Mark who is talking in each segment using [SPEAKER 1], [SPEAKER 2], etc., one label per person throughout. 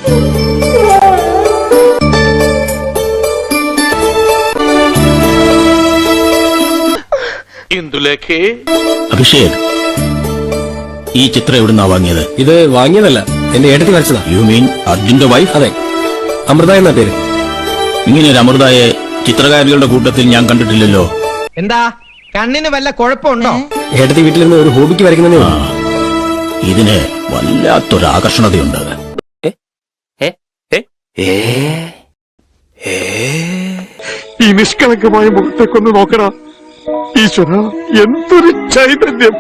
[SPEAKER 1] അഭിഷേക്, ഈ ചിത്രം എവിടുന്നാ വാങ്ങിയത്?
[SPEAKER 2] ഇത് വാങ്ങിയതല്ല, എന്റെ ഏട്ടത്തി വരച്ചതാ.
[SPEAKER 1] യു മീൻ അർജുന്റെ വൈഫ്?
[SPEAKER 2] അതെ, അമൃത എന്ന പേര്.
[SPEAKER 1] ഇങ്ങനെ ഒരു അമൃതയെ ചിത്രകാരികളുടെ കൂട്ടത്തിൽ ഞാൻ കണ്ടിട്ടില്ലല്ലോ.
[SPEAKER 3] എന്താ കണ്ണിന് വല്ല കുഴപ്പമുണ്ടോ?
[SPEAKER 2] ഏട്ടത്തി വീട്ടിലിരുന്ന് ഒരു ഹോബിക്ക് വരയ്ക്കുന്നതേ ഉള്ളൂ.
[SPEAKER 1] ഇതിന് വല്ലാത്തൊരു ആകർഷണതയുണ്ട്.
[SPEAKER 4] ഈ നിഷ്കളങ്കമായ മുഖത്തേക്കൊന്ന് നോക്കടാ ഈശ്വര, എന്തൊരു ചൈതന്യം.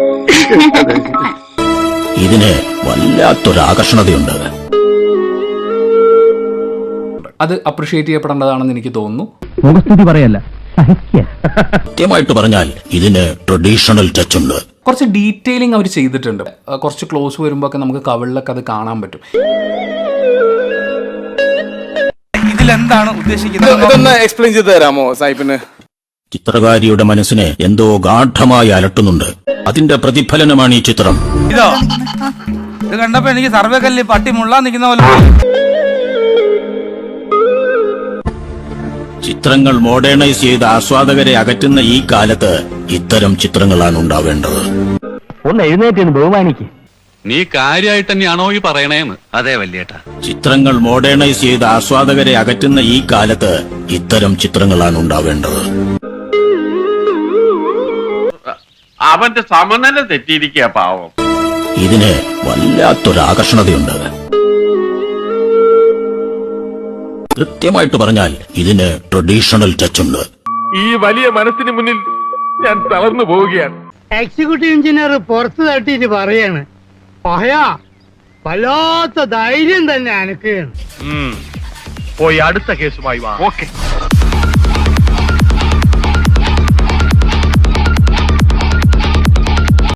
[SPEAKER 1] ഇതിന് വല്ലാത്തൊരു ആകർഷണതയുണ്ട്.
[SPEAKER 5] അത് അപ്രിഷിയേറ്റ് ചെയ്യപ്പെടേണ്ടതാണെന്ന് എനിക്ക് തോന്നുന്നു.
[SPEAKER 6] മുഖസ്തുതി പറയല്ല,
[SPEAKER 1] കൃത്യമായിട്ട് പറഞ്ഞാൽ ഇതിന് ട്രഡീഷണൽ ടച്ച് ഉണ്ട്.
[SPEAKER 5] കുറച്ച് ഡീറ്റെയിലിംഗ് അവർ ചെയ്തിട്ടുണ്ട്. കുറച്ച് ക്ലോസ് വരുമ്പോൾ ഒക്കെ നമുക്ക് കവിളിലൊക്കെ അത് കാണാൻ പറ്റും.
[SPEAKER 7] ഇതിലെന്താണ് ഉദ്ദേശിക്കുന്നത്?
[SPEAKER 2] എക്സ്പ്ലെയിൻ ചെയ്ത് തരാമോ സാഹിബിന്?
[SPEAKER 1] ചിത്രകാരിയുടെ മനസ്സിനെ എന്തോ ഗാഠമായി അലട്ടുന്നുണ്ട്. അതിന്റെ പ്രതിഫലനമാണ് ഈ ചിത്രം.
[SPEAKER 7] ഇതോ, ഇത് കണ്ടപ്പോ എനിക്ക് സർവകല്ലി പട്ടി മുള്ളാൻ നിൽക്കുന്ന പോലെ.
[SPEAKER 1] ചിത്രങ്ങൾ മോഡേണൈസ് ചെയ്ത് ആസ്വാദകരെ അകറ്റുന്ന ഈ കാലത്ത് ഇത്തരം ചിത്രങ്ങളാണ് ഉണ്ടാവേണ്ടത്.
[SPEAKER 6] ഒന്ന് എഴുന്നേറ്റ് ബഹുമാനിക്ക്.
[SPEAKER 8] നീ കാര്യമായിട്ട് തന്നെയാണോ ഈ പറയണേന്ന്? അതെ വല്യേട്ടാ.
[SPEAKER 1] ചിത്രങ്ങൾ മോഡേണൈസ് ചെയ്ത് ആസ്വാദകരെ അകറ്റുന്ന ഈ കാലത്ത് ഇത്തരം ചിത്രങ്ങളാണ് ഉണ്ടാവേണ്ടത്.
[SPEAKER 8] അവന്റെ സമനില തെറ്റിയിരിക്കുക പാവം.
[SPEAKER 1] ഇതിന് വല്ലാത്തൊരു ആകർഷണതയുണ്ട്. കൃത്യമായിട്ട് പറഞ്ഞാൽ ഇതിന് ട്രഡീഷണൽ ടച്ച് ഉണ്ട്.
[SPEAKER 4] ഈ വലിയ മനസ്സിന് മുന്നിൽ ഞാൻ തളർന്നു പോവുകയാണ്.
[SPEAKER 9] എക്സിക്യൂട്ടീവ് എഞ്ചിനീയർ പുറത്ത് തട്ടിയിട്ട് പറയാണ്, വല്ലാത്ത ധൈര്യം തന്നെ അനക്കുകയാണ്.
[SPEAKER 4] പോയി അടുത്ത കേസുമായി വാ. ഓക്കെ.